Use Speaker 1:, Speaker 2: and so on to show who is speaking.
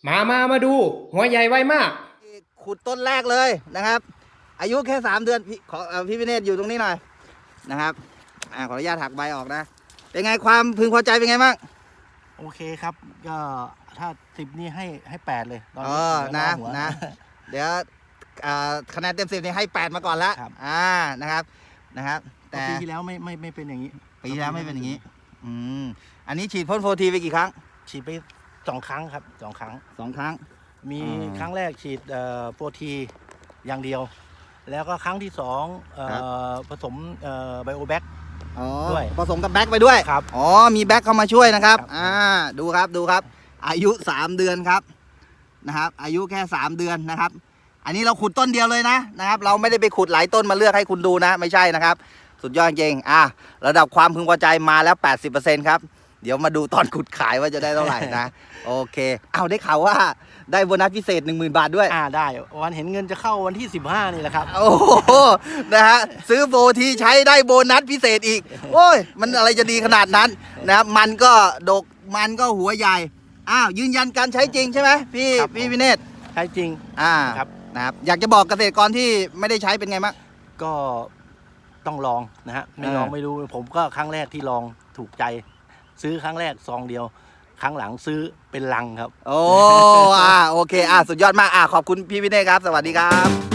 Speaker 1: มาดูหัวใหญ่ไวมาก
Speaker 2: ขุดต้นแรกเลยนะครับอายุแค่3 เดือนพี่ขอพี่วิเนศอยู่ตรงนี้หน่อยนะครับขออนุญาตหักใบออกนะเป็นไงความพึงพอใจเป็นไงบ้าง
Speaker 3: โอเคครับก็ถ้า10นี่ให้8เลยตอน
Speaker 2: นี้นะเดี๋ยวคะแนนเต็ม10นี่ให้8มาก่อนแล้วนะครับ
Speaker 3: แต่ปีที่แล้วไม่เป็นอย่างนี้
Speaker 2: ปีที่แล้วไม่เป็นอย่างนี้อันนี้ฉีดพ่นโฟทีไปกี่ครั้ง
Speaker 3: ฉีดไป2 ครั้งครับ2 ครั้งมีครั้งแรกฉีดโฟทีอย่างเดียวแล้วก็ครั้งที่2ผสมไบโอแบ็กด้วย
Speaker 2: ผสมกับแบ็กไปด้วย
Speaker 3: ครับ
Speaker 2: มีแบ็กเข้ามาช่วยนะครับดูครับอายุ3 เดือนครับนะครับอายุแค่3 เดือนนะครับอันนี้เราขุดต้นเดียวเลยนะครับเราไม่ได้ไปขุดหลายต้นมาเลือกให้คุณดูนะไม่ใช่นะครับสุดยอดจริงระดับความพึงพอใจมาแล้ว 80% ครับเดี๋ยวมาดูตอนขุดขายว่าจะได้เท่าไหร่นะโอเคได้ข่าวว่าได้โบนัสพิเศษ 10,000 บาทด้วย
Speaker 3: ได้วันเห็นเงินจะเข้าวันที่15นี่แหละครับ
Speaker 2: โอ้โหนะฮะซื้อโบทีใช้ได้โบนัสพิเศษอีกโอ้ยมันอะไรจะดีขนาดนั้นนะครับมันก็ดกมันก็หัวใหญ่ยืนยันการใช้จริงใช่ไหมพี่วิเนศ
Speaker 3: ใช้จริง
Speaker 2: ครับนะครับอยากจะบอกเกษตรกรที่ไม่ได้ใช้เป็นไงบ้าง
Speaker 3: ก็ต้องลองนะฮะไม่ลองไม่รู้ผมก็ครั้งแรกที่ลองถูกใจซื้อครั้งแรกซองเดียวครั้งหลังซื้อเป็นลังครับ
Speaker 2: โอเคสุดยอดมากขอบคุณพี่วิเนศครับสวัสดีครับ